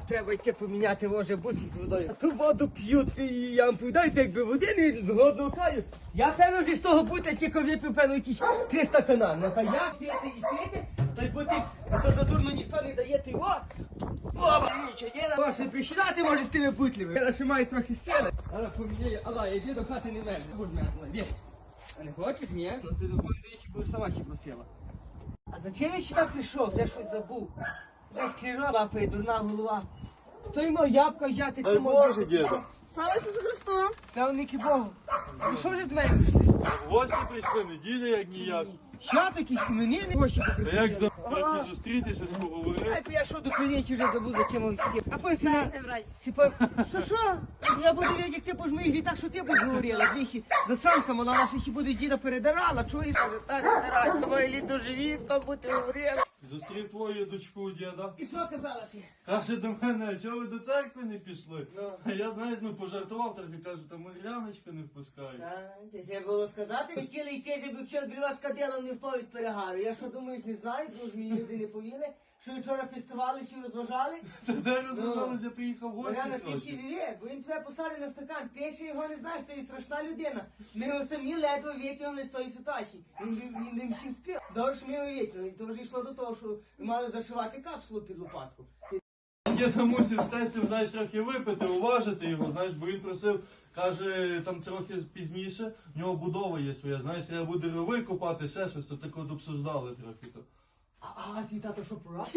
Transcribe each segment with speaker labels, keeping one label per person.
Speaker 1: треба йти поміняти, може бути з водою. А ту воду п'ють, і я вам повідаю, якби води не з голодного краю. Я певно вже з того бути, тільки випив, певно, якісь 300 канал. Ну та як п'яти і п'яти, то й бути, то задурно ніхто не дає, ти о! Оба, нічого, діда, може присідати, може з тими бутлями. Я ще маю трохи сили. Але поміняю, але йди до хати не мерзне, будь мене, біг. А не хочеш, ні? Ну ти до ще будеш сама ще просила. А зачем я сюди прийшов? Я щось забув. Вже склероз лапає, дурна голова. Стоїмо ябка взяти.
Speaker 2: Дай Боже, діда.
Speaker 3: Слава Ісусу Христу!
Speaker 1: Славники Богу. Ви що вже до мене прийшли?
Speaker 2: В гості прийшли, неділя як ніяк.
Speaker 1: Що такі мені не гроші
Speaker 2: Та
Speaker 1: покрити?
Speaker 2: як за трохи зустрітися, поговорити.
Speaker 1: Ай, я що до клієнтів вже забув, за чим їх. А потім сина...
Speaker 3: Брать.
Speaker 1: Що? Я буду видіти, як ти будеш моїх літах, що ти будеш говорила. Двічі засранка мала, вона ще буде діда передарала. Чуєш, вже старий передарала. Мої літ доживі, хто буде говорила.
Speaker 2: Зустрів твою дочку у діда.
Speaker 1: І що казала ти?
Speaker 2: Каже до мене, а чого ви до церкви не пішли?
Speaker 1: Ну.
Speaker 2: А я, знаєш, пожартував трохи, каже, там Іляночка не впускає.
Speaker 1: Треба було сказати, хотіли йти, щоб якщо бріла з кадилом не впав від перегару. Я що думаєш, не знаю, друж мені люди не повіли, що вчора фестивалися і розважали.
Speaker 2: Та де розважалися, приїхав в гості
Speaker 1: Мар'яна, ти
Speaker 2: трохи.
Speaker 1: хідові, бо він тебе посадить на стакан, ти ще його не знаєш, ти є страшна людина. Ми його самі ледве витягнули з тої ситуації. Він не всім спів. Добре, що ми його витягнули. То вже йшло до того, що ми мали зашивати капсулу під лопатку.
Speaker 2: Діда мусив з тестем, знаєш, трохи випити, уважити його, знаєш, бо він просив, каже, там трохи пізніше, в нього будова є своя, знаєш, треба буде рови копати, ще щось, то так от обсуждали трохи то.
Speaker 1: А твій тато що прораб?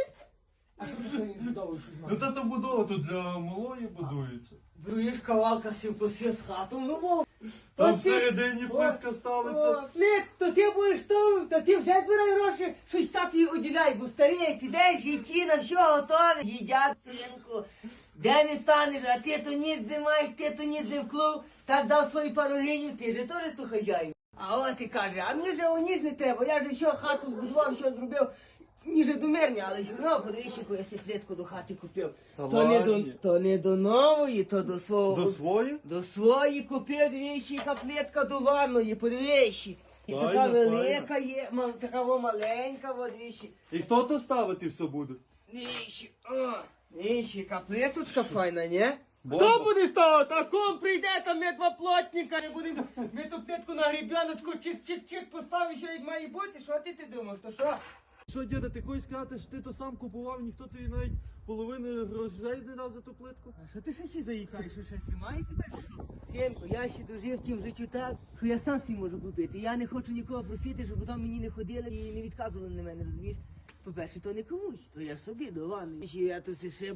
Speaker 1: А що ти не збудовуєш?
Speaker 2: Ну та то будова тут для малої будується.
Speaker 1: Бруєш кавалка сів з хату, ну мов.
Speaker 2: Там всередині плитка ставиться.
Speaker 1: Плит, то ти будеш то ти вже збирай гроші, щось таті оділяй, бо старий, підеш, і ті на все готове. Їдять, синку, де не станеш, а ти то ніц не маєш, ти то ніц не вклав, так дав свою пару гривень, ти же теж то хазяїн. А от і каже, а мені вже ніц не треба, я ж що хату збудував, що зробив. Ніже до мерня, але все одно, подивись, яку я сіплетку до хати купив.
Speaker 2: Та
Speaker 1: То не до нової, то до свого.
Speaker 2: До свої?
Speaker 1: До свої купив двічі каплетка до ванної, подивись. І
Speaker 2: Файно,
Speaker 1: така
Speaker 2: файно.
Speaker 1: велика є, така маленька, от двічі.
Speaker 2: І хто то ставити все буде?
Speaker 1: Двічі, каплеточка файна, не?
Speaker 2: Бомба.
Speaker 1: Хто буде ставити? А ком прийде, там ми два плотника, не будемо, ми ту плитку на гребіночку, чик-чик-чик поставимо, що як має бути, що ти думаєш, то що?
Speaker 2: Що, діда, ти хочеш сказати, що ти то сам купував, ніхто тобі навіть половини грошей не дав за ту плитку?
Speaker 1: А що ти ще заїхаєш, що ще тримає тебе? Сємко, я ще дожив в тім життю так, що я сам собі можу купити. Я не хочу нікого просити, щоб потім мені не ходили і не відказували на мене, розумієш? По-перше, то не комусь, то я собі до ванни. Я тут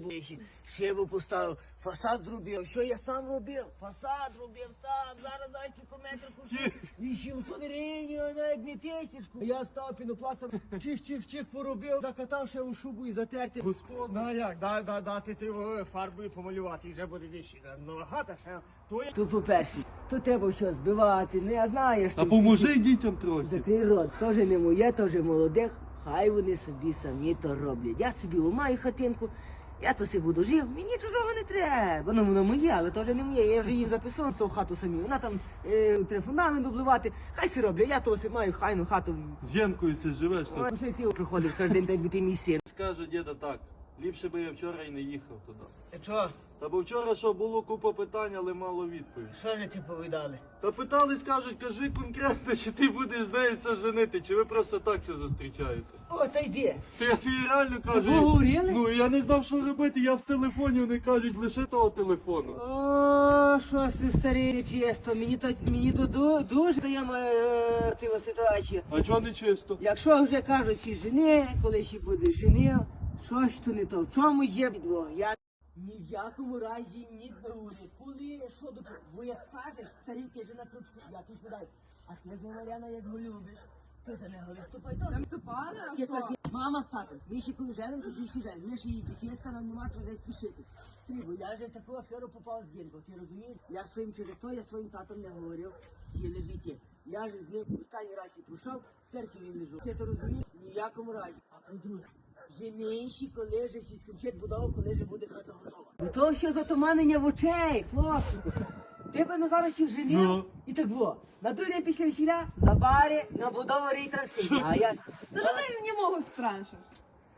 Speaker 1: шибу поставив, фасад зробив. Що я сам робив? Фасад робив сам, зараз знаєш, кілометр коштує 800 гривень, навіть не тисячку. Я став пінопластом, чих-чих-чих поробив, закатав ще у шубу і затерти.
Speaker 2: Господи.
Speaker 1: Ну як, дати треба фарбою помалювати, і вже буде вищі. Нова хата ще. То по-перше, то треба щось збивати, не знаєш.
Speaker 2: А поможи дітям трохи.
Speaker 1: Закрий рот, теж не моє, теж молодих. Хай вони собі самі то роблять. Я собі маю хатинку, я то собі буду жив, мені чужого не треба. Ну, воно моє, але теж не моє. Я вже їм записав в хату самі. Вона там треба фундамент обливати. Хай си роблять, я то собі маю хайну хату.
Speaker 2: З Єнкою це живеш.
Speaker 1: Ой, що ти приходиш кожен день, так би ти мій син.
Speaker 2: Скаже діда так, ліпше би я вчора і не їхав туди.
Speaker 1: Що?
Speaker 2: Та бо вчора що було купа питань, але мало відповідь.
Speaker 1: Що ж ти повідали?
Speaker 2: Та питались, кажуть, кажи конкретно, чи ти будеш з нею все женити, чи ви просто так це зустрічаєте.
Speaker 1: О, та йди.
Speaker 2: Та я тобі реально кажу.
Speaker 1: поговорили?
Speaker 2: Ну я не знав, що робити, я в телефоні, вони кажуть, лише того телефону.
Speaker 1: О, що ти старий, чесно, мені то дуже даємо цю ситуацію.
Speaker 2: А чого не чисто?
Speaker 1: Якщо вже кажуть, всі жени, коли ще буде женив, щось то не то. В чому є підвох? Я ні в якому разі ні до уряд. Коли, що до чого? Бо як скажеш, старий, ти же на крючку, я тут віддай. А ти з ним, Мар'яна, як го любиш, ти за нього виступай теж.
Speaker 3: Вступали, а
Speaker 1: Ти
Speaker 3: що?
Speaker 1: кажеш, мама з татом, ми ще коли женимо, тоді всі женимо. Ми ще її дітейська, нам нема чого десь спішити. Стрібо, я вже в таку аферу попав з Генко, ти розумієш? Я своїм через то, я своїм татом не говорив, тіле життя. Я ж з ним останній раз і пройшов, в церкві він лежав. Ти то розумієш? Ні в якому разі. А по-друге, жениші, коли же сі скінчить будову, коли же буде хата готова. До того, що затуманення в очей, хлопчику. Ти б не зараз ще женив,
Speaker 2: Ну.
Speaker 1: і так було. На другий день після весілля, за бари, на будову рейтраншині. А я...
Speaker 3: Та що ти мені можу страшиш?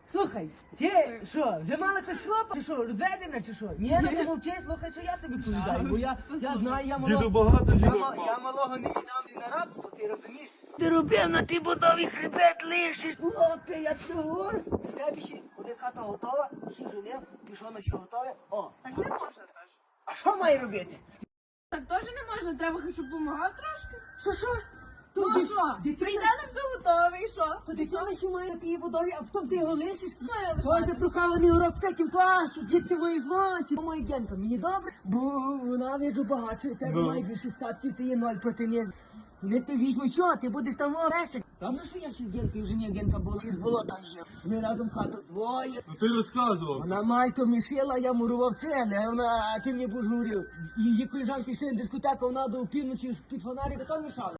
Speaker 1: Слухай, ти що, вже мала хоч хлопа? Чи що, розведена чи що? Ні, ну ти мовчи, слухай, що я тобі повідаю, бо я знаю, я
Speaker 2: Діду
Speaker 1: малого...
Speaker 2: багато жінок
Speaker 1: Я
Speaker 2: мав.
Speaker 1: малого не віддам ні на рабство, ти розумієш? Ти робив на тій будові хребет лишиш. Хлопе, я тобі говорю. Тебе ще буде хата готова, всі женив, пішов на що готове. О,
Speaker 3: Так не можна теж.
Speaker 1: а що має робити?
Speaker 3: Так теж не можна, треба хоч щоб допомагав трошки.
Speaker 1: Що?
Speaker 3: Ну
Speaker 1: Ді-
Speaker 3: що?
Speaker 1: дитина-
Speaker 3: Прийде на все готове і що?
Speaker 1: То дитина ще має на тій будові, а потім ти його лишиш?
Speaker 3: Має
Speaker 1: Ось
Speaker 3: лишати.
Speaker 1: запрохований урок в третім класі, дітки мої злоті. Моя Генка, мені добре, бо вона віджу багато, у тебе майже 6 статків, ти є 0 проти них. Не ти візьму, що, ти будеш там оресик. Правда, що я ще з Генкою, вже не Генка була, із болота є. Ми разом хату двоє.
Speaker 2: Ну ти розказував.
Speaker 1: Вона мальто мішила, я мурував цели, а вона, а ти мені будеш говорив. Її колежанки йшли на дискотеку, вона до півночі під фонарик, то мішала.